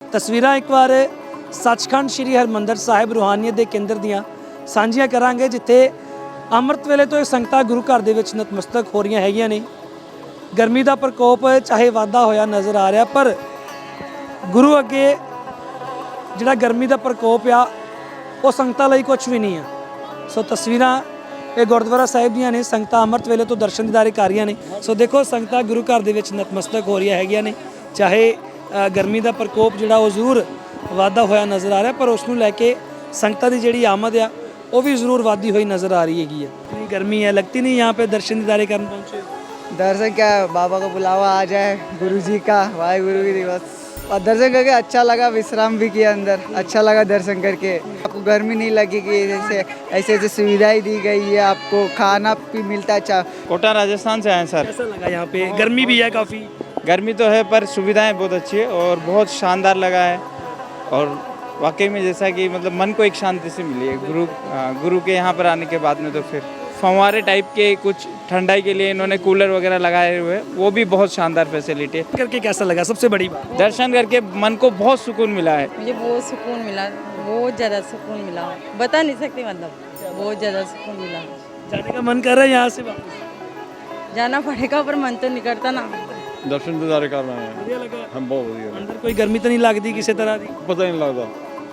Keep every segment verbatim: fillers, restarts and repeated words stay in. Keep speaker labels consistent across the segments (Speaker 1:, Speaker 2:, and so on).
Speaker 1: तस्वीरां एक बार सचखंड श्री हरमंदर साहिब रूहानीयत के केंद्र दियां ਸਾਂਝੀਆਂ ਕਰਾਂਗੇ जिथे ਅੰਮ੍ਰਿਤ ਵੇਲੇ ਤੋਂ ਇਹ ਸੰਗਤਾਂ ਗੁਰੂ ਘਰ ਦੇ ਵਿੱਚ ਨਤਮਸਤਕ ਹੋ ਰਹੀਆਂ ਹੈਗੀਆਂ ਨੇ। ਗਰਮੀ ਦਾ ਪ੍ਰਕੋਪ ਚਾਹੇ ਵਾਧਾ ਹੋਇਆ ਨਜ਼ਰ ਆ ਰਿਹਾ, ਪਰ ਗੁਰੂ ਅੱਗੇ ਜਿਹੜਾ ਗਰਮੀ ਦਾ ਪ੍ਰਕੋਪ ਆ ਉਹ ਸੰਗਤਾਂ ਲਈ ਕੁਝ ਵੀ ਨਹੀਂ ਆ। ਸੋ ਤਸਵੀਰਾਂ ਇਹ ਗੁਰਦੁਆਰਾ ਸਾਹਿਬ ਦੀਆਂ ਨੇ, ਸੰਗਤਾਂ ਅੰਮ੍ਰਿਤ ਵੇਲੇ ਤੋਂ ਦਰਸ਼ਨ ਦੀਦਾਰੇ ਕਰ ਰਹੀਆਂ ਨੇ। ਸੋ ਦੇਖੋ ਸੰਗਤਾਂ ਗੁਰੂ ਘਰ ਦੇ ਵਿੱਚ ਨਤਮਸਤਕ ਹੋ ਰਹੀਆਂ ਹੈਗੀਆਂ ਨੇ। ਚਾਹੇ ਗਰਮੀ ਦਾ ਪ੍ਰਕੋਪ ਜਿਹੜਾ ਉਹ ਜ਼ਰੂਰ ਵਾਧਾ ਹੋਇਆ ਨਜ਼ਰ ਆ ਰਿਹਾ, ਪਰ ਉਸ ਨੂੰ ਲੈ ਕੇ ਸੰਗਤਾਂ ਦੀ ਜਿਹੜੀ ਆਮਦ ਆ वो भी ज़रूर वादी हुई नज़र आ रही हैगी है। इतनी गर्मी है, लगती नहीं यहाँ पे दर्शन दीदारे करने पहुँचे?
Speaker 2: दर्शन क्या, बाबा का बुलावा आ जाए, गुरु जी का, वाहे गुरु की दिवस, और दर्शन करके अच्छा लगा, विश्राम भी किया अंदर, अच्छा लगा दर्शन करके। आपको गर्मी नहीं लगेगी, जैसे ऐसे ऐसे सुविधाएं दी गई है, आपको खाना भी मिलता है। अच्छा,
Speaker 3: कोटा राजस्थान से आए हैं सर।
Speaker 1: कैसा लगा यहाँ पे? गर्मी भी है काफ़ी?
Speaker 3: गर्मी तो है पर सुविधाएं बहुत अच्छी है और बहुत शानदार लगा है। और वाकई में जैसा कि मतलब मन को एक शांति से मिली है गुरु गुरु के यहाँ पर आने के बाद में। तो फिर फंवारे टाइप के कुछ ठंडाई के लिए इन्होंने कूलर वगैरह लगाए हुए, वो भी बहुत शानदार फैसिलिटी है।
Speaker 1: करके कैसा लगा? सबसे बड़ी बात
Speaker 3: दर्शन करके मन को बहुत सुकून मिला है।
Speaker 4: मुझे बहुत सुकून मिला, बहुत ज़्यादा सुकून मिला, बता नहीं सकती, मतलब बहुत ज़्यादा सुकून मिला।
Speaker 1: जाने का मन कर रहा है यहाँ से वापस?
Speaker 4: जाना पड़ेगा पर मन तो नहीं करता ना।
Speaker 5: दर्शन दीदारे करना है,
Speaker 1: बढ़िया लगा?
Speaker 5: हम बहुत बढ़िया।
Speaker 1: अंदर कोई गर्मी तो नहीं लगती किसी तरह की?
Speaker 5: पता ही नहीं लगता।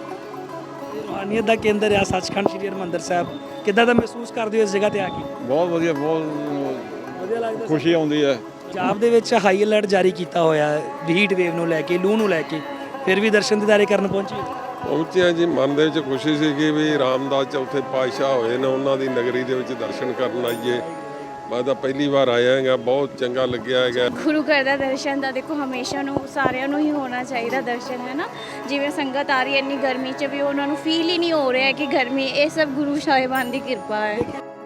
Speaker 1: रूहानीयत का केंद्र आ सचखंड श्री हरमंदर साहब, कितना दा महसूस करते हो इस जगह ਤੇ ਆ ਕੇ?
Speaker 5: बहुत ਵਧੀਆ, ਬਹੁਤ
Speaker 1: ਵਧੀਆ ਲੱਗਦਾ।
Speaker 5: ਖੁਸ਼ੀ ਆਉਂਦੀ ਹੈ।
Speaker 1: ਪੰਜਾਬ ਦੇ ਵਿੱਚ ਹਾਈ ਅਲਰਟ ਜਾਰੀ ਕੀਤਾ ਹੋਇਆ ਹੈ ਹੀਟ ਵੇਵ ਨੂੰ ਲੈ ਕੇ, ਲੂ ਨੂੰ ਲੈ ਕੇ, ਫਿਰ ਵੀ ਦਰਸ਼ਨ ਦੀਦਾਰੇ ਕਰਨ ਪਹੁੰਚੇ?
Speaker 6: ਪਹੁੰਚਿਆ ਜੀ, ਮਨ ਦੇ ਵਿੱਚ ਖੁਸ਼ੀ ਸੀ ਕਿ ਵੀ ਰਾਮਦਾਸ ਚੌਥੇ ਪਾਤਸ਼ਾਹ ਹੋਏ ਨੇ, ਉਹਨਾਂ ਦੀ ਨਗਰੀ ਦੇ ਵਿੱਚ ਦਰਸ਼ਨ ਕਰਨ ਆਈਏ। ਮੈਂ ਤਾਂ ਪਹਿਲੀ ਵਾਰ ਆਇਆ ਹੈਗਾ, ਬਹੁਤ ਚੰਗਾ ਲੱਗਿਆ ਹੈਗਾ।
Speaker 7: ਗੁਰੂ ਘਰ ਦਾ ਦਰਸ਼ਨ ਦਾ ਦੇਖੋ ਹਮੇਸ਼ਾ ਨੂੰ ਸਾਰਿਆਂ ਨੂੰ ਹੀ ਹੋਣਾ ਚਾਹੀਦਾ ਦਰਸ਼ਨ, ਹੈ ਨਾ। ਜਿਵੇਂ ਸੰਗਤ ਆ ਰਹੀ ਹੈ ਇੰਨੀ ਗਰਮੀ 'ਚ ਵੀ ਉਹਨਾਂ ਨੂੰ ਫੀਲ ਹੀ ਨਹੀਂ ਹੋ ਰਿਹਾ ਕਿ ਗਰਮੀ, ਇਹ ਸਭ ਗੁਰੂ ਸਾਹਿਬਾਨ ਦੀ ਕਿਰਪਾ ਹੈ।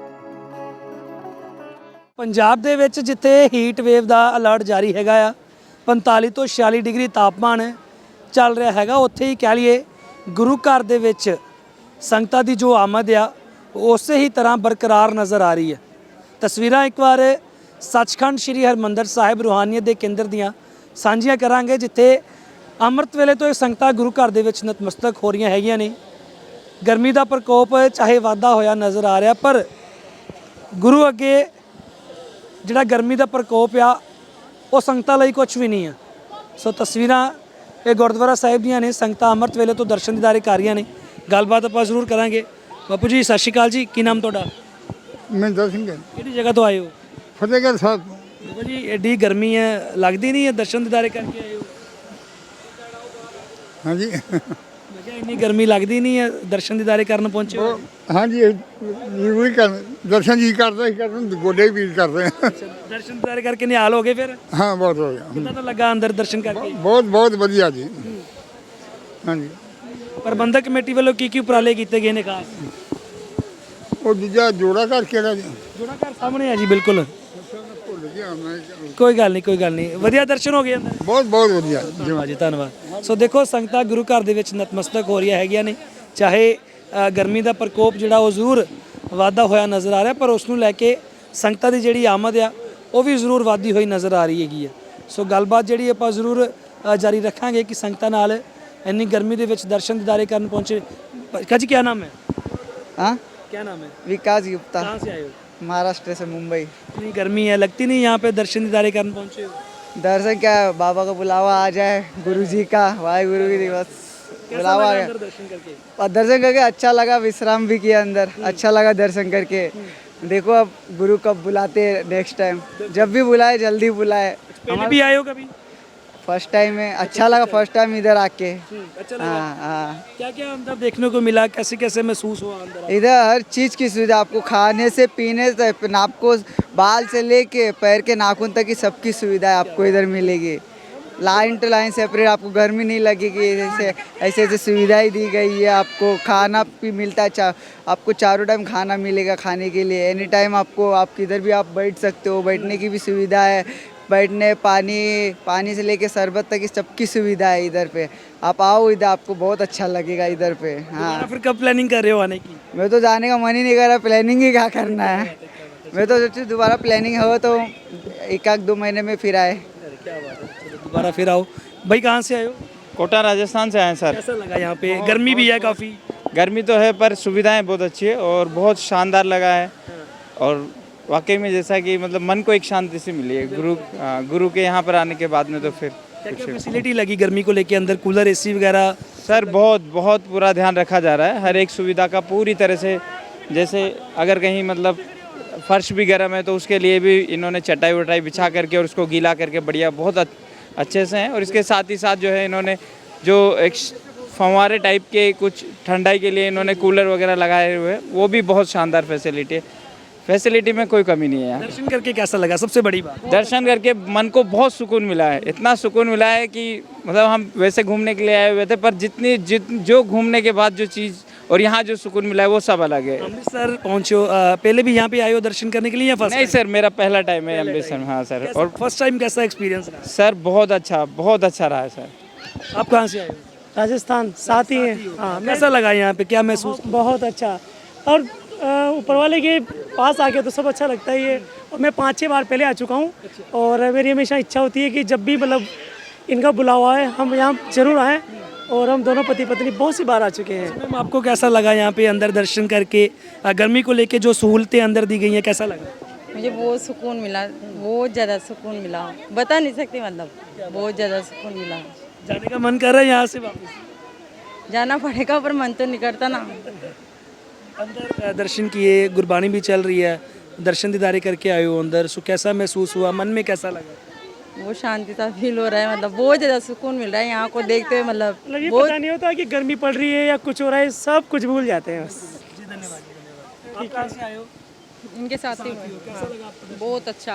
Speaker 1: ਪੰਜਾਬ ਦੇ ਵਿੱਚ ਜਿੱਥੇ ਹੀਟ ਵੇਵ ਦਾ ਅਲਰਟ ਜਾਰੀ ਹੈਗਾ ਆ, ਪੰਤਾਲੀ ਤੋਂ ਛਿਆਲੀ ਡਿਗਰੀ ਤਾਪਮਾਨ ਚੱਲ ਰਿਹਾ ਹੈਗਾ, ਉੱਥੇ ਹੀ ਕਹਿ ਲਈਏ ਗੁਰੂ ਘਰ ਦੇ ਵਿੱਚ ਸੰਗਤਾਂ ਦੀ ਜੋ ਆਮਦ ਆ ਉਸੇ ਹੀ ਤਰ੍ਹਾਂ ਬਰਕਰਾਰ ਨਜ਼ਰ ਆ ਰਹੀ ਹੈ। ਤਸਵੀਰਾਂ ਇੱਕ ਵਾਰ ਸੱਚਖੰਡ ਸ਼੍ਰੀ ਹਰਮੰਦਰ ਸਾਹਿਬ ਰੂਹਾਨੀਅਤ ਦੇ ਕੇਂਦਰ ਦੀਆਂ ਸਾਂਝੀਆਂ ਕਰਾਂਗੇ, ਜਿੱਥੇ ਅੰਮ੍ਰਿਤ ਵੇਲੇ ਤੋਂ ਇਹ ਸੰਗਤਾਂ ਗੁਰੂ ਘਰ ਦੇ ਵਿੱਚ ਨਤਮਸਤਕ ਹੋ ਰਹੀਆਂ ਹੈਗੀਆਂ ਨੇ। ਗਰਮੀ ਦਾ ਪ੍ਰਕੋਪ ਚਾਹੇ ਵਾਧਾ ਹੋਇਆ ਨਜ਼ਰ ਆ ਰਿਹਾ, ਪਰ ਗੁਰੂ ਅੱਗੇ ਜਿਹੜਾ ਗਰਮੀ ਦਾ ਪ੍ਰਕੋਪ ਆ ਉਹ ਸੰਗਤਾਂ ਲਈ ਕੁਝ ਵੀ ਨਹੀਂ ਆ। ਸੋ ਤਸਵੀਰਾਂ ਇਹ ਗੁਰਦੁਆਰਾ ਸਾਹਿਬ ਦੀਆਂ ਨੇ, ਸੰਗਤਾਂ ਅੰਮ੍ਰਿਤ ਵੇਲੇ ਤੋਂ ਦਰਸ਼ਨ ਦੀਦਾਰੇ ਕਰ ਰਹੀਆਂ ਨੇ। ਗੱਲਬਾਤ ਆਪਾਂ ਜ਼ਰੂਰ ਕਰਾਂਗੇ। ਬਾਪੂ ਜੀ ਸਤਿ ਸ਼੍ਰੀ ਅਕਾਲ ਜੀ, ਕੀ ਨਾਮ ਤੁਹਾਡਾ?
Speaker 8: ਮਹਿੰਦਰ ਸਿੰਘ ਹੈ।
Speaker 1: ਕਿਹੜੀ ਜਗ੍ਹਾ ਤੋਂ ਆਏ ਹੋ?
Speaker 8: ਫਤਿਹਗੜ੍ਹ ਸਾਹਿਬ।
Speaker 1: ਬਾਬਾ ਜੀ ਐਡੀ ਗਰਮੀ ਹੈ, ਲੱਗਦੀ ਨਹੀਂ ਹੈ ਦਰਸ਼ਨ ਦੀਦਾਰੇ ਕਰਕੇ ਆਏ ਹੋ?
Speaker 8: ਹਾਂਜੀ,
Speaker 1: ਮੈਂ ਕਿਹਾ ਇੰਨੀ ਗਰਮੀ ਲੱਗਦੀ ਨਹੀਂ ਹੈ, ਦਰਸ਼ਨ ਦੀਦਾਰੇ ਕਰਨ ਪਹੁੰਚੇ ਹੋ?
Speaker 8: ਹਾਂਜੀ ਜ਼ਰੂਰੀ ਕਰ ਦਰਸ਼ਨ ਜੀ ਕਰਦਾ ਹੀ ਕਰਨ, ਗੋਡੇ ਵੀ ਪੀੜ ਕਰਦੇ ਆ।
Speaker 1: ਦਰਸ਼ਨ ਦੀਦਾਰੇ ਕਰਕੇ ਨਿਹਾਲ ਹੋ ਗਏ ਫਿਰ?
Speaker 8: ਹਾਂ, ਬਹੁਤ ਹੋ ਗਿਆ।
Speaker 1: ਕਿੰਨਾ ਤਾਂ ਲੱਗਾ ਅੰਦਰ ਦਰਸ਼ਨ ਕਰਕੇ?
Speaker 8: ਬਹੁਤ ਬਹੁਤ ਵਧੀਆ ਜੀ। ਹਾਂਜੀ,
Speaker 1: ਪ੍ਰਬੰਧਕ ਕਮੇਟੀ ਵੱਲੋਂ ਕੀ ਕੀ ਉਪਰਾਲੇ ਕੀਤੇ ਗਏ ਨੇ ਖਾਸ?
Speaker 8: ਉਹ ਦੂਜਾ ਜੋੜਾ ਘਰ ਕਿਹੜਾ ਜੀ?
Speaker 1: ਜੋੜਾ ਘਰ ਸਾਹਮਣੇ ਹੈ ਜੀ, ਬਿਲਕੁਲ।
Speaker 8: ਭੁੱਲ ਗਿਆ ਮੈਂ।
Speaker 1: ਕੋਈ ਗੱਲ ਨਹੀਂ, ਕੋਈ ਗੱਲ ਨਹੀਂ, ਵਧੀਆ ਦਰਸ਼ਨ ਹੋ ਗਏ ਅੰਦਰ?
Speaker 8: ਬਹੁਤ ਬਹੁਤ ਵਧੀਆ
Speaker 1: ਧੰਨਵਾਦ ਜੀ, ਧੰਨਵਾਦ। ਸੋ ਦੇਖੋ ਸੰਗਤਾਂ ਗੁਰੂ ਘਰ ਦੇ ਵਿੱਚ ਨਤਮਸਤਕ ਹੋ ਰਹੀਆਂ ਹੈਗੀਆਂ ਨੇ। ਚਾਹੇ ਗਰਮੀ ਦਾ ਪ੍ਰਕੋਪ ਜਿਹੜਾ ਉਹ ਜ਼ਰੂਰ ਵਾਧਾ ਹੋਇਆ ਨਜ਼ਰ ਆ ਰਿਹਾ, ਪਰ ਉਸ ਨੂੰ ਲੈ ਕੇ ਸੰਗਤਾਂ ਦੀ ਜਿਹੜੀ ਆਮਦ ਆ ਉਹ ਵੀ ਜ਼ਰੂਰ ਵਾਧੀ ਹੋਈ ਨਜ਼ਰ ਆ ਰਹੀ ਹੈਗੀ ਹੈ। ਸੋ ਗੱਲਬਾਤ ਜਿਹੜੀ ਆਪਾਂ ਜ਼ਰੂਰ ਜਾਰੀ ਰੱਖਾਂਗੇ ਕਿ ਸੰਗਤਾਂ ਨਾਲ ਇੰਨੀ ਗਰਮੀ ਦੇ ਵਿੱਚ ਦਰਸ਼ਨ ਦੀਦਾਰੇ ਕਰਨ ਪਹੁੰਚੇ। ਕਾਜੀ ਕੀ ਨਾਮ ਹੈ?
Speaker 2: हाँ,
Speaker 1: क्या नाम है?
Speaker 2: विकास गुप्ता,
Speaker 1: कहाँ से आए हो?
Speaker 2: महाराष्ट्र से मुंबई।
Speaker 1: इतनी गर्मी है, लगती नहीं यहाँ पे दर्शन दीदारे करने पहुँचे हो?
Speaker 2: दर्शन क्या, बाबा का बुलावा आ जाए, गुरु जी का, वाहे गुरु की दिवस,
Speaker 1: कैसा
Speaker 2: बुलावा आ
Speaker 1: लगा
Speaker 2: गया।
Speaker 1: अंदर दर्शन करके?
Speaker 2: और दर्शन करके अच्छा लगा, विश्राम भी किया अंदर, अच्छा लगा दर्शन करके। देखो अब गुरु कब बुलाते नेक्स्ट टाइम, जब भी बुलाए जल्दी बुलाए।
Speaker 1: पहले भी आए हो कभी?
Speaker 2: फर्स्ट टाइम है, अच्छा लगा फर्स्ट टाइम इधर आके।
Speaker 1: अच्छा लगा?
Speaker 2: हाँ हाँ,
Speaker 1: क्या क्या अंदर देखने को मिला, कैसे कैसे महसूस हुआ अंदर?
Speaker 2: इधर हर चीज़ की सुविधा, आपको खाने से पीने से आपको बाल से लेके पैर के नाखून तक की सबकी सुविधा आपको इधर मिलेगी। लाइन टू लाइन सेपरेट, आपको गर्मी नहीं लगेगी। जैसे ऐसे ऐसे सुविधाएं दी गई है, आपको खाना भी मिलता है, चा, आपको चारों टाइम खाना मिलेगा खाने के लिए। एनी टाइम आपको आप किधर भी आप बैठ सकते हो, बैठने की भी सुविधा है। बैठने, पानी पानी से लेके शरबत तक की सबकी सुविधा है इधर पे। आप आओ इधर, आपको बहुत अच्छा लगेगा इधर पे। हाँ,
Speaker 1: फिर कब प्लानिंग कर रहे हो आने की?
Speaker 2: मैं तो जाने का मन ही नहीं कर रहा, प्लानिंग ही क्या करना है। मैं तो सोचती दोबारा प्लानिंग हो तो एक आध दो महीने में फिर आए।
Speaker 1: क्या बात है, दोबारा फिर आओ। भाई कहाँ से आए हो?
Speaker 3: कोटा राजस्थान से आए हैं सर।
Speaker 1: कैसा लगा यहाँ पे? गर्मी भी है काफ़ी।
Speaker 3: गर्मी तो है पर सुविधाएं बहुत अच्छी है और बहुत शानदार लगा है। और वाकई में जैसा कि मतलब मन को एक शांति सी मिली है गुरु हाँ, गुरु के यहाँ पर आने के बाद में। तो फिर
Speaker 1: क्या क्या फैसिलिटी लगी गर्मी को लेके? अंदर कूलर, एसी वगैरह?
Speaker 3: सर बहुत बहुत पूरा ध्यान रखा जा रहा है हर एक सुविधा का पूरी तरह से। जैसे अगर कहीं मतलब फर्श भी गर्म है तो उसके लिए भी इन्होंने चटाई वटाई बिछा करके और उसको गीला करके बढ़िया बहुत अच्छे से हैं। और इसके साथ ही साथ जो है इन्होंने जो एक फंवारे टाइप के कुछ ठंडाई के लिए इन्होंने कूलर वगैरह लगाए हुए हैं, वो भी बहुत शानदार फैसिलिटी है। फैसिलिटी में कोई कमी नहीं है यहाँ।
Speaker 1: दर्शन करके कैसा लगा? सबसे बड़ी बात
Speaker 3: दर्शन करके मन को बहुत सुकून मिला है। इतना सुकून मिला है कि मतलब हम वैसे घूमने के लिए आए हुए थे पर जितनी जित जो घूमने के बाद जो चीज़ और यहाँ जो सुकून मिला है वो सब अलग है।
Speaker 1: अमृतसर पहुँचे हो, अ, पहले भी यहाँ पे आए हो दर्शन करने के लिए या फर्स्ट?
Speaker 3: नहीं सर, मेरा पहला टाइम है अमृतसर में। हाँ सर। और
Speaker 1: फर्स्ट टाइम कैसा एक्सपीरियंस रहा?
Speaker 3: सर बहुत अच्छा बहुत अच्छा रहा है सर।
Speaker 1: आप कहाँ से आए हो?
Speaker 9: राजस्थान साथ ही है। हाँ,
Speaker 1: कैसा लगा यहाँ पे? क्या महसूस?
Speaker 9: बहुत अच्छा। और अ, ऊपर वाले के पास आके तो सब अच्छा लगता ही है। और मैं पाँच छः बार पहले आ चुका हूँ और मेरी हमेशा इच्छा होती है कि जब भी मतलब इनका बुलावा है हम यहाँ जरूर आएँ। और हम दोनों पति पत्नी बहुत सी बार आ चुके हैं।
Speaker 1: मैम आपको कैसा लगा यहाँ पे अंदर दर्शन करके? अ, गर्मी को लेके जो सहूलतें अंदर दी गई हैं कैसा लगा?
Speaker 4: मुझे बहुत सुकून मिला, बहुत ज़्यादा सुकून मिला, बता नहीं सकती मतलब बहुत ज़्यादा सुकून मिला।
Speaker 1: जाने का मन कर रहा है यहाँ से वापस?
Speaker 4: जाना पड़ेगा पर मन तो नहीं करता ना।
Speaker 1: अंदर अ, दर्शन किए, गुरबानी भी चल रही है, दर्शन दीदारे करके आए हो अंदर, सो कैसा महसूस हुआ? मन में कैसा लगा?
Speaker 4: वो शांति सा फील हो रहा है, मतलब बहुत ज़्यादा सुकून मिल रहा है यहाँ को देखते हुए। मतलब
Speaker 9: मतलब ये
Speaker 4: बहुत
Speaker 9: पता नहीं होता कि गर्मी पड़ रही है या कुछ हो रहा है, सब कुछ भूल जाते हैं बस।
Speaker 1: आप कहाँ से आए हो?
Speaker 4: इनके साथ ही बहुत अच्छा।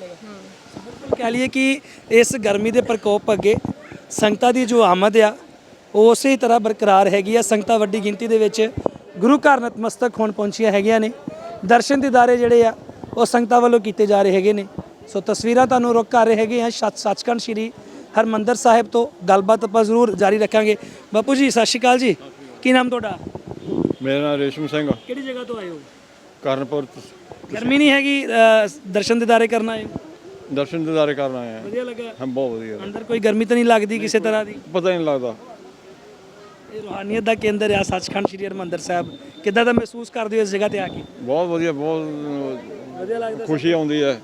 Speaker 1: कह लिए कि इस गर्मी ਦੇ ਪ੍ਰਕੋਪ ਅੱਗੇ ਸੰਗਤਾਂ ਦੀ ਜੋ ਆਮਦ ਆ ਉਹ ਉਸੇ ਤਰ੍ਹਾਂ ਬਰਕਰਾਰ ਹੈਗੀ ਆ। ਸੰਗਤਾਂ ਵੱਡੀ ਗਿਣਤੀ ਦੇ ਵਿੱਚ ਗੁਰੂ ਘਰ ਨਤਮਸਤਕ ਹੋਣ ਪਹੁੰਚੀਆਂ ਹੈਗੀਆਂ ਨੇ। ਦਰਸ਼ਨ ਦੀਦਾਰੇ ਜਿਹੜੇ ਆ ਉਹ ਸੰਗਤਾਂ ਵੱਲੋਂ ਕੀਤੇ ਜਾ ਰਹੇ ਹੈਗੇ ਨੇ। ਸੋ ਤਸਵੀਰਾਂ ਤੁਹਾਨੂੰ ਰੁਕ ਕਰ ਰਹੇ ਹੈਗੇ ਆ ਸੱਚ ਸੱਚਖੰਡ ਸ਼੍ਰੀ ਹਰਮੰਦਰ ਸਾਹਿਬ ਤੋਂ। ਗੱਲਬਾਤ ਆਪਾਂ ਜ਼ਰੂਰ ਜਾਰੀ ਰੱਖਾਂਗੇ। ਬਾਪੂ ਜੀ ਸਤਿ ਸ਼੍ਰੀ ਅਕਾਲ ਜੀ, ਕੀ ਨਾਮ ਤੁਹਾਡਾ?
Speaker 5: ਮੇਰਾ ਨਾਮ ਰੇਸ਼ਮ ਸਿੰਘ,
Speaker 1: ਕਿਹੜੀ ਜਗ੍ਹਾ ਤੋਂ ਆਏ ਹੋ?
Speaker 5: ਕਰਨਪੁਰ
Speaker 1: ਗਰਮੀ ਨਹੀਂ ਹੈਗੀ, ਅ, ਦਰਸ਼ਨ ਦੀਦਾਰੇ ਕਰਨ ਆਏ ਹੋ?
Speaker 5: ਦਰਸ਼ਨ ਦਿਦਾਰੇ ਕਰਨ ਆਏ ਆ।
Speaker 1: ਵਧੀਆ ਲੱਗਾ?
Speaker 5: ਹਾਂ ਬਹੁਤ ਵਧੀਆ।
Speaker 1: ਅੰਦਰ ਕੋਈ ਗਰਮੀ ਤਾਂ ਨਹੀਂ ਲੱਗਦੀ ਕਿਸੇ ਤਰ੍ਹਾਂ ਦੀ?
Speaker 5: ਪਤਾ ਹੀ ਨਹੀਂ ਲੱਗਦਾ।
Speaker 1: ਇਹ ਰੂਹਾਨੀਅਤ ਦਾ ਕੇਂਦਰ ਆ ਸੱਚਖੰਡ ਸ਼੍ਰੀ ਹਰਿਮੰਦਰ ਸਾਹਿਬ। ਕਿੱਦਾਂ ਦਾ ਮਹਿਸੂਸ ਕਰਦੇ ਹੋ ਇਸ ਜਗ੍ਹਾ ਤੇ ਆ ਕੇ?
Speaker 5: ਬਹੁਤ ਵਧੀਆ, ਬਹੁਤ
Speaker 1: ਵਧੀਆ ਲੱਗਦਾ?
Speaker 5: ਖੁਸ਼ੀ ਆਉਂਦੀ ਹੈ।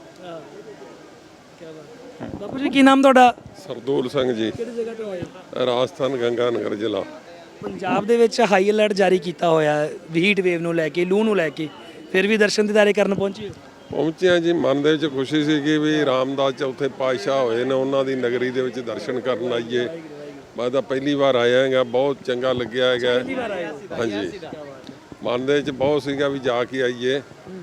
Speaker 1: ਬਾਪੂ ਜੀ ਕੀ ਨਾਮ ਤੁਹਾਡਾ?
Speaker 6: ਸਰਦੂਲ ਸਿੰਘ ਜੀ,
Speaker 1: ਕਿਹੜੀ ਜਗ੍ਹਾ ਤੋਂ ਆਏ ਹੋ?
Speaker 6: ਰਾਜਸਥਾਨ ਗੰਗਾਨਗਰ ਜ਼ਿਲ੍ਹਾ।
Speaker 1: ਪੰਜਾਬ ਦੇ ਵਿੱਚ ਹਾਈ ਅਲਰਟ ਜਾਰੀ ਕੀਤਾ ਹੋਇਆ ਹੀਟ ਵੇਵ ਨੂੰ ਲੈ ਕੇ, ਲੂ ਨੂੰ ਲੈ ਕੇ, ਫਿਰ ਵੀ ਦਰਸ਼ਨ ਦੀਦਾਰੇ ਕਰਨ ਪਹੁੰਚੇ ਹੋ?
Speaker 6: ਪਹੁੰਚਿਆ ਜੀ, ਮਨ ਦੇ ਵਿੱਚ ਖੁਸ਼ੀ ਸੀ ਕਿ ਵੀ ਰਾਮਦਾਸ ਚੌਥੇ ਪਾਤਸ਼ਾਹ ਹੋਏ ਨੇ, ਉਹਨਾਂ ਦੀ ਨਗਰੀ ਦੇ ਵਿੱਚ ਦਰਸ਼ਨ ਕਰਨ ਆਈਏ। ਮੈਂ ਤਾਂ ਪਹਿਲੀ ਵਾਰ ਆਇਆ ਹੈਗਾ, ਬਹੁਤ ਚੰਗਾ ਲੱਗਿਆ ਹੈਗਾ। ਹਾਂਜੀ, ਮਨ ਦੇ ਵਿੱਚ ਬਹੁਤ ਸੀਗਾ ਵੀ ਜਾ ਕੇ ਆਈਏ,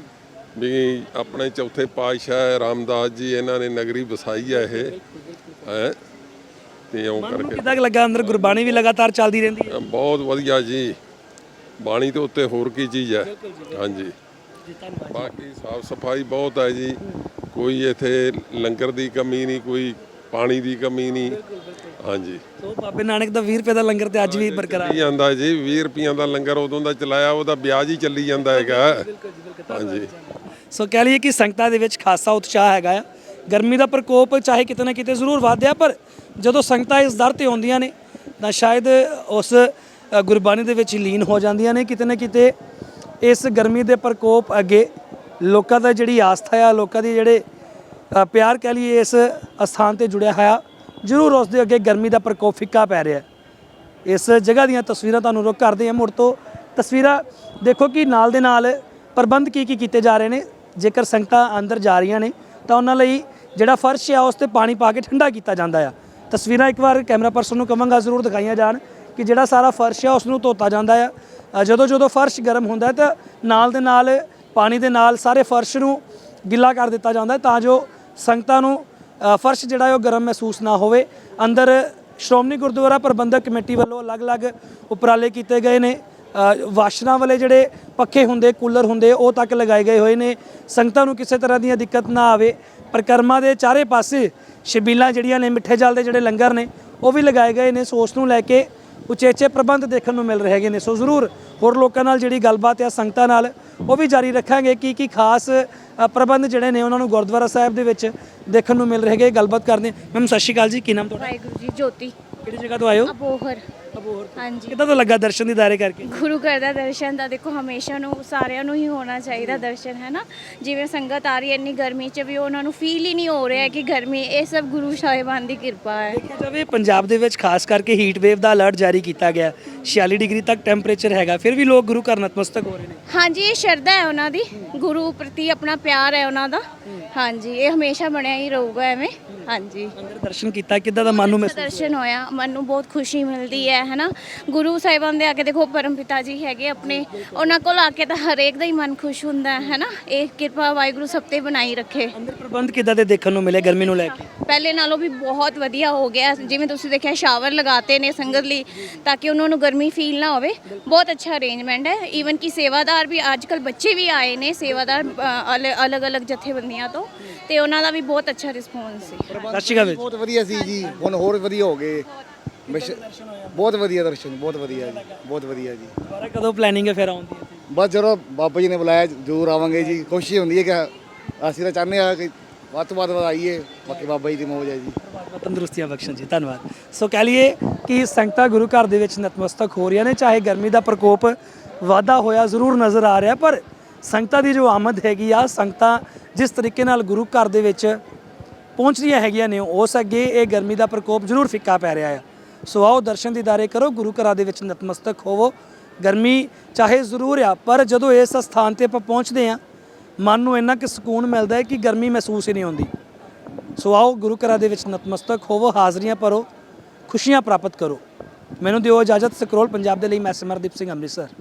Speaker 6: ਵੀ ਆਪਣੇ ਚੌਥੇ ਪਾਤਸ਼ਾਹ ਰਾਮਦਾਸ ਜੀ ਇਹਨਾਂ ਨੇ ਨਗਰੀ ਵਸਾਈ ਹੈ ਇਹ ਹੈ ਤੇ ਉਹ ਕਰਕੇ
Speaker 1: ਕਿੱਦਾਂ ਕੁ ਲੱਗਾ? ਅੰਦਰ ਗੁਰਬਾਣੀ ਵੀ ਲਗਾਤਾਰ ਚੱਲਦੀ ਰਹਿੰਦੀ ਹੈ?
Speaker 6: ਬਹੁਤ ਵਧੀਆ ਜੀ, ਬਾਣੀ ਤੋਂ ਉੱਤੇ ਹੋਰ ਕੀ ਚੀਜ਼ ਹੈ। ਹਾਂਜੀ, ਬਾਕੀ ਸਾਫ ਸਫਾਈ ਬਹੁਤ ਹੈ ਜੀ, ਕੋਈ ਇੱਥੇ ਲੰਗਰ ਦੀ ਕਮੀ ਨਹੀਂ, ਕੋਈ ਪਾਣੀ ਦੀ ਕਮੀ ਨਹੀਂ। ਹਾਂਜੀ,
Speaker 1: ਸੋ ਬਾਬੇ ਨਾਨਕ ਦਾ ਵੀਹ ਰੁਪਏ ਦਾ ਲੰਗਰ ਤੇ ਅੱਜ ਵੀ ਬਰਕਰਾਰ
Speaker 6: ਚੱਲੀ ਜਾਂਦਾ ਜੀ। ਵੀਹ ਰੁਪਈਆਂ ਦਾ ਲੰਗਰ ਉਦੋਂ ਦਾ ਚਲਾਇਆ, ਉਹਦਾ ਵਿਆਜ ਹੀ ਚੱਲੀ ਜਾਂਦਾ ਹੈਗਾ। ਹਾਂਜੀ,
Speaker 1: ਸੋ ਕਹਿ ਲਈਏ ਕਿ ਸੰਗਤਾਂ ਦੇ ਵਿੱਚ ਖਾਸਾ ਉਤਸ਼ਾਹ ਹੈਗਾ ਆ। ਗਰਮੀ ਦਾ ਪ੍ਰਕੋਪ ਚਾਹੇ ਕਿਤੇ ਨਾ ਕਿਤੇ ਜ਼ਰੂਰ ਵਧਿਆ, ਪਰ ਜਦੋਂ ਸੰਗਤਾਂ ਇਸ ਦਰ ਤੇ ਆਉਂਦੀਆਂ ਨੇ ਤਾਂ ਸ਼ਾਇਦ ਉਸ ਅ, ਗੁਰਬਾਣੀ ਦੇ ਵਿੱਚ ਲੀਨ ਹੋ ਜਾਂਦੀਆਂ ਨੇ। ਕਿਤੇ ਨਾ ਕਿਤੇ ਇਸ ਗਰਮੀ ਦੇ ਪ੍ਰਕੋਪ ਅੱਗੇ ਲੋਕਾਂ ਦਾ ਜਿਹੜੀ ਆਸਥਾ ਆ, ਲੋਕਾਂ ਦੀ ਜਿਹੜੇ ਅ, ਪਿਆਰ ਕਹਿ ਲਈਏ ਇਸ ਅਸਥਾਨ ਤੇ ਜੁੜਿਆ ਹੋਇਆ, ਜ਼ਰੂਰ ਉਸ ਦੇ ਅੱਗੇ ਗਰਮੀ ਦਾ ਪ੍ਰਕੋਪ ਫਿੱਕਾ ਪੈ ਰਿਹਾ। ਇਸ ਜਗ੍ਹਾ ਦੀਆਂ ਤਸਵੀਰਾਂ ਤੁਹਾਨੂੰ ਰੁਕ ਕਰਦੇ ਹਾਂ ਮੁੜ ਤੋਂ। ਤਸਵੀਰਾਂ ਦੇਖੋ ਕਿ ਨਾਲ ਦੇ ਨਾਲ ਪ੍ਰਬੰਧ ਕੀ ਕੀ ਕੀਤੇ ਜਾ ਰਹੇ ਨੇ। ਜੇਕਰ ਸੰਗਤਾਂ ਅੰਦਰ ਜਾ ਰਹੀਆਂ ਨੇ ਤਾਂ ਉਹਨਾਂ ਲਈ ਜਿਹੜਾ ਫਰਸ਼ ਆ ਉਸ ਤੇ ਪਾਣੀ ਪਾ ਕੇ ਠੰਡਾ ਕੀਤਾ ਜਾਂਦਾ ਆ। ਤਸਵੀਰਾਂ ਇੱਕ ਵਾਰ ਕੈਮਰਾ ਪਰਸਨ ਨੂੰ ਕਵਾਂਗਾ ਜ਼ਰੂਰ ਦਿਖਾਈਆਂ ਜਾਣ ਕਿ ਜਿਹੜਾ ਸਾਰਾ ਫਰਸ਼ ਆ ਉਸ ਨੂੰ ਧੋਤਾ ਜਾਂਦਾ ਆ। ਜਦੋਂ ਜਦੋਂ ਫਰਸ਼ ਗਰਮ ਹੁੰਦਾ ਹੈ ਤਾਂ ਨਾਲ ਦੇ ਨਾਲ ਪਾਣੀ ਦੇ ਨਾਲ ਸਾਰੇ ਫਰਸ਼ ਨੂੰ ਗਿੱਲਾ ਕਰ ਦਿੱਤਾ ਜਾਂਦਾ ਤਾਂ ਜੋ ਸੰਗਤਾਂ ਨੂੰ ਅ, ਫਰਸ਼ ਜਿਹੜਾ ਹੈ ਉਹ ਗਰਮ ਮਹਿਸੂਸ ਨਾ ਹੋਵੇ। ਅੰਦਰ ਸ਼੍ਰੋਮਣੀ ਗੁਰਦੁਆਰਾ ਪ੍ਰਬੰਧਕ ਕਮੇਟੀ ਵੱਲੋਂ ਅਲੱਗ-ਅਲੱਗ ਉਪਰਾਲੇ ਕੀਤੇ ਗਏ ਨੇ। ਵਾਸ਼ਰਾਂ ਵਾਲੇ ਜਿਹੜੇ ਪੱਖੇ ਹੁੰਦੇ, ਕੂਲਰ ਹੁੰਦੇ, ਉਹ ਤੱਕ ਲਗਾਏ ਗਏ ਹੋਏ ਨੇ। ਸੰਗਤਾਂ ਨੂੰ ਕਿਸੇ ਤਰ੍ਹਾਂ ਦੀਆਂ ਦਿੱਕਤ ਨਾ ਆਵੇ। ਪਰਿਕਰਮਾ ਦੇ ਚਾਰੇ ਪਾਸੇ ਛਬੀਲਾਂ ਜਿਹੜੀਆਂ ਨੇ, ਮਿੱਠੇ ਜਲ ਦੇ ਜਿਹੜੇ ਲੰਗਰ ਨੇ ਉਹ ਵੀ ਲਗਾਏ ਗਏ ਨੇ। ਸੋ ਉਸ ਨੂੰ ਲੈ ਕੇ ਉਚੇਚੇ ਪ੍ਰਬੰਧ ਦੇਖਣ ਨੂੰ ਮਿਲ ਰਹੇ ਹੈਗੇ ਨੇ। ਸੋ ਜ਼ਰੂਰ ਹੋਰ ਲੋਕਾਂ ਨਾਲ ਜਿਹੜੀ ਗੱਲਬਾਤ ਆ ਸੰਗਤਾਂ ਨਾਲ ਉਹ ਵੀ ਜਾਰੀ ਰੱਖਾਂਗੇ ਕੀ ਕੀ ਖਾਸ ਅ, ਪ੍ਰਬੰਧ ਜਿਹੜੇ ਨੇ ਉਹਨਾਂ ਨੂੰ ਗੁਰਦੁਆਰਾ ਸਾਹਿਬ ਦੇ ਵਿੱਚ ਦੇਖਣ ਨੂੰ ਮਿਲ ਰਹੇ ਹੈਗੇ। ਗੱਲਬਾਤ ਕਰਦੇ। ਮੈਮ ਸਤਿ ਸ਼੍ਰੀ ਅਕਾਲ ਜੀ, ਕੀ ਨਾਮ ਤੁਹਾਡਾ?
Speaker 7: ਵਾਹਿਗੁਰੂ ਜੀ, ਜੋਤੀ।
Speaker 1: ਕਿਹੜੀ ਜਗ੍ਹਾ ਤੋਂ ਆਏ ਹੋ?
Speaker 7: ਅਬੋਹਰ
Speaker 1: ਅਬੋਹਰ।
Speaker 7: ਹਾਂਜੀ
Speaker 1: ਕਿੱਦਾਂ ਤੋਂ ਲੱਗਾ ਦਰਸ਼ਨ ਦੀਦਾਰੇ ਕਰਕੇ?
Speaker 7: ਗੁਰੂ ਘਰ ਦਾ ਦਰਸ਼ਨ ਤਾਂ ਦੇਖੋ ਹਮੇਸ਼ਾ ਨੂੰ ਸਾਰਿਆਂ ਨੂੰ ਹੀ ਹੋਣਾ ਚਾਹੀਦਾ ਦਰਸ਼ਨ ਹੈ ਨਾ। ਜਿਵੇਂ ਸੰਗਤ ਆ ਰਹੀ ਹੈ ਇੰਨੀ ਗਰਮੀ 'ਚ ਵੀ ਉਹਨਾਂ ਨੂੰ ਫੀਲ ਹੀ ਨਹੀਂ ਹੋ ਰਿਹਾ ਕਿ ਗਰਮੀ, ਇਹ ਸਭ ਗੁਰੂ ਸਾਹਿਬਾਨ ਦੀ ਕਿਰਪਾ ਹੈ।
Speaker 1: ਦੇਖਿਆ ਜਾਵੇ ਪੰਜਾਬ ਦੇ ਵਿੱਚ ਖਾਸ ਕਰਕੇ ਹੀਟ ਵੇਵ ਦਾ ਅਲਰਟ ਜਾਰੀ ਕੀਤਾ ਗਿਆ, ਛਿਆਲੀ ਡਿਗਰੀ ਤੱਕ ਟੈਂਪਰੇਚਰ ਹੈਗਾ, ਫਿਰ ਵੀ ਲੋਕ ਗੁਰੂ ਘਰ ਨਤਮਸਤਕ ਹੋ ਰਹੇ ਨੇ।
Speaker 7: ਹਾਂਜੀ, ਇਹ ਸ਼ਰਧਾ ਹੈ ਉਹਨਾਂ ਦੀ, ਗੁਰੂ ਪ੍ਰਤੀ ਆਪਣਾ ਪਿਆਰ ਹੈ ਉਹਨਾਂ ਦਾ। ਹਾਂਜੀ, ਇਹ ਹਮੇਸ਼ਾ ਬਣਿਆ ਹੀ ਰਹੂਗਾ ਐਵੇਂ। ਹਾਂਜੀ,
Speaker 1: ਅੰਦਰ ਦਰਸ਼ਨ ਕੀਤਾ, ਕਿੱਦਾਂ ਦਾ ਮਨ ਨੂੰ ਮਹਿਸੂਸ?
Speaker 7: ਦਰਸ਼ਨ ਹੋਇਆ, ਮਨ ਨੂੰ ਬਹੁਤ ਖੁਸ਼ੀ ਮਿਲਦੀ ਹੈ ਹੈ ਨਾ। ਗੁਰੂ ਸਾਹਿਬਾਨ ਦੇ ਆ ਕੇ ਦੇਖੋ, ਪਰਮ ਪਿਤਾ ਜੀ ਹੈਗੇ ਆਪਣੇ, ਉਹਨਾਂ ਕੋਲ ਆ ਕੇ ਤਾਂ ਹਰੇਕ ਦਾ ਹੀ ਮਨ ਖੁਸ਼ ਹੁੰਦਾ ਹੈ ਨਾ। ਇਹ ਕਿਰਪਾ ਵਾਹਿਗੁਰੂ ਸਭ ਤੇ ਬਣਾਈ ਰੱਖੇ।
Speaker 1: ਅੰਦਰ ਪ੍ਰਬੰਧ ਕਿੱਦਾਂ ਦੇ ਦੇਖਣ ਨੂੰ ਮਿਲੇ ਗਰਮੀ ਨੂੰ ਲੈ ਕੇ?
Speaker 7: ਪਹਿਲੇ ਨਾਲੋਂ ਵੀ ਬਹੁਤ ਵਧੀਆ ਹੋ ਗਿਆ। ਜਿਵੇਂ ਤੁਸੀਂ ਦੇਖਿਆ ਸ਼ਾਵਰ ਲਗਾਤੇ ਨੇ ਸੰਗਤ ਲਈ ਤਾਂ ਕਿ ਉਹਨਾਂ ਨੂੰ ਗਰਮੀ ਫੀਲ ਨਾ ਹੋਵੇ। ਬਹੁਤ ਅੱਛਾ ਅਰੇਂਜਮੈਂਟ ਹੈ। ਈਵਨ ਕਿ ਸੇਵਾਦਾਰ ਵੀ, ਅੱਜ ਕੱਲ੍ਹ ਬੱਚੇ ਵੀ ਆਏ ਨੇ ਸੇਵਾਦਾਰ ਅਲੱਗ-ਅਲੱਗ ਜਥੇਬੰਦੀਆਂ ਤੋਂ, ਤੇ ਉਹਨਾਂ ਦਾ ਵੀ ਬਹੁਤ ਅੱਛਾ ਰਿਸਪੌਂਸ ਸੀ।
Speaker 1: ਸਤਿ ਸ਼੍ਰੀ ਅਕਾਲ।
Speaker 10: ਬਹੁਤ ਵਧੀਆ ਸੀ ਜੀ, ਹੁਣ ਹੋਰ ਵਧੀਆ ਹੋ ਗਏ। ਬਸ ਬਹੁਤ ਵਧੀਆ ਦਰਸ਼ਨ, ਬਹੁਤ ਵਧੀਆ ਜੀ, ਬਹੁਤ ਵਧੀਆ ਜੀ।
Speaker 1: ਦੁਬਾਰਾ ਕਦੋਂ ਪਲੈਨਿੰਗ ਹੈ ਫਿਰ ਆਉਣ ਦੀ?
Speaker 10: ਬਸ ਜਦੋਂ ਬਾਬਾ ਜੀ ਨੇ ਬੁਲਾਇਆ ਜ਼ਰੂਰ ਆਵਾਂਗੇ ਜੀ। ਕੋਸ਼ਿਸ਼ ਹੁੰਦੀ ਹੈ ਕਿ ਅਸੀਂ ਤਾਂ ਚਾਹੁੰਦੇ ਹਾਂ ਕਿ ਵੱਧ ਤੋਂ ਵੱਧ ਆਈਏ, ਬਾਕੀ ਬਾਬਾ ਜੀ ਦੀ ਮੌਜ ਹੈ ਜੀ।
Speaker 1: ਪਰਮਾਤਮਾ ਤੰਦਰੁਸਤੀਆਂ ਬਖਸ਼ਣ ਜੀ, ਧੰਨਵਾਦ। ਸੋ ਕਹਿ ਲਈਏ ਕਿ ਸੰਗਤਾਂ ਗੁਰੂ ਘਰ ਦੇ ਵਿੱਚ ਨਤਮਸਤਕ ਹੋ ਰਹੀਆਂ ਨੇ, ਚਾਹੇ ਗਰਮੀ ਦਾ ਪ੍ਰਕੋਪ ਵਾਧਾ ਹੋਇਆ ਜ਼ਰੂਰ ਨਜ਼ਰ ਆ ਰਿਹਾ, ਪਰ ਸੰਗਤਾਂ ਦੀ ਜੋ ਆਮਦ ਹੈਗੀ ਆ, ਸੰਗਤਾਂ ਜਿਸ ਤਰੀਕੇ ਨਾਲ ਗੁਰੂ ਘਰ ਦੇ ਵਿੱਚ ਪਹੁੰਚ ਰਹੀਆਂ ਹੈਗੀਆਂ ਨੇ, ਉਸ ਅੱਗੇ ਇਹ ਗਰਮੀ ਦਾ ਪ੍ਰਕੋਪ ਜ਼ਰੂਰ ਫਿੱਕਾ ਪੈ ਰਿਹਾ ਆ। ਸੋ ਆਓ ਦਰਸ਼ਨ ਦੀਦਾਰੇ ਕਰੋ, ਗੁਰੂ ਘਰਾਂ ਦੇ ਵਿੱਚ ਨਤਮਸਤਕ ਹੋਵੋ। ਗਰਮੀ ਚਾਹੇ ਜ਼ਰੂਰ ਆ, ਪਰ ਜਦੋਂ ਇਸ ਸਥਾਨ ਤੇ ਆਪਾਂ ਪਹੁੰਚਦੇ ਆ, ਮਨ ਨੂੰ ਇੰਨਾ ਕਿ ਸਕੂਨ ਮਿਲਦਾ ਹੈ ਕਿ ਗਰਮੀ ਮਹਿਸੂਸ ਹੀ ਨਹੀਂ ਹੁੰਦੀ। ਸੋ ਆਓ ਗੁਰੂ ਘਰਾਂ ਦੇ ਵਿੱਚ ਨਤਮਸਤਕ ਹੋਵੋ, ਹਾਜ਼ਰੀਆਂ ਭਰੋ, ਖੁਸ਼ੀਆਂ ਪ੍ਰਾਪਤ ਕਰੋ। ਮੈਨੂੰ ਦਿਓ ਇਜਾਜ਼ਤ। ਸਕਰੋਲ ਪੰਜਾਬ ਦੇ ਲਈ ਮੈਂ ਸਿਮਰਦੀਪ ਸਿੰਘ, ਅੰਮ੍ਰਿਤਸਰ।